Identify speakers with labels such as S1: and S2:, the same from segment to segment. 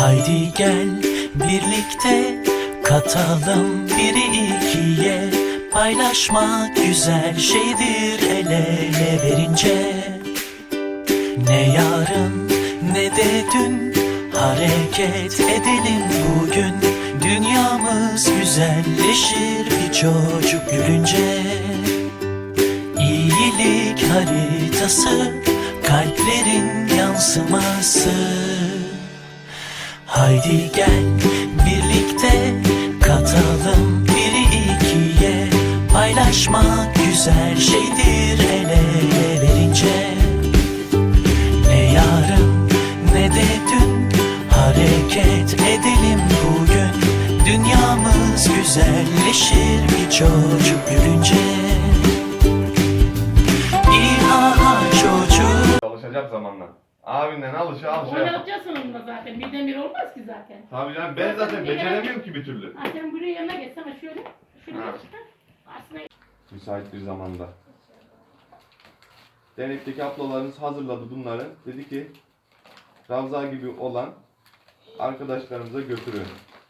S1: Haydi gel birlikte katalım biri ikiye. Paylaşmak güzel şeydir el ele verince. Ne yarın ne de dün, hareket edelim bugün. Dünyamız güzelleşir bir çocuk gülünce. İyilik haritası, kalplerin yansıması. Haydi gel birlikte katalım biri ikiye. Paylaşmak güzel şeydir el ele verince. Ne yarın ne de dün, hareket edelim bugün. Dünyamız güzelleşir bir çocuk gülünce. İha çocuk.
S2: Alışacak zamanla. Abinden alışacak.
S3: Oynatacaksın onunla zaten. Birden bir olmaz ki zaten.
S2: Tabii canım, ben zaten beceremiyorum ki bir türlü.
S3: Ha, sen buraya yanına geçsene şöyle. Şuraya
S2: Ha.
S3: çıkar. Aslında
S2: Müsait bir zamanda. Dernekteki ablalarımız hazırladı bunları. Dedi ki Ravza gibi olan arkadaşlarımıza götürün.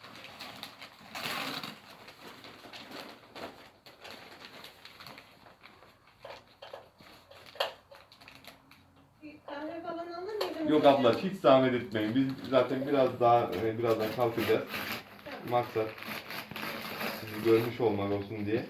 S4: Kahve falan alır mıydın?
S2: Yok abla, hiç zahmet etmeyin. Biz zaten birazdan kalkacağız. Maksat sizi görmüş olmak olsun diye.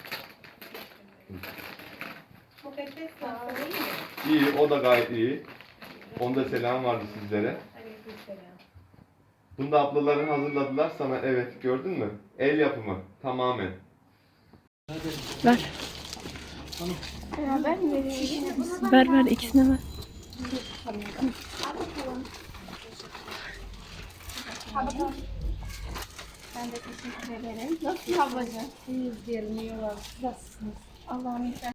S4: Mukaddes kahve iyi mi?
S2: İyi, o da gayet iyi. Onda selam vardı sizlere.
S4: Aleykümselam.
S2: Bunu da ablaların hazırladılar sana. Evet, gördün mü? El yapımı tamamen.
S5: Ver.
S4: Beraber mi veriyorsun?
S5: Ver ikisine ver.
S4: Ben de teşekkür ederim. Nasıl ablacığım? İyiyiz diyelim. İyi olalım. Nasılsınız? Allah'ım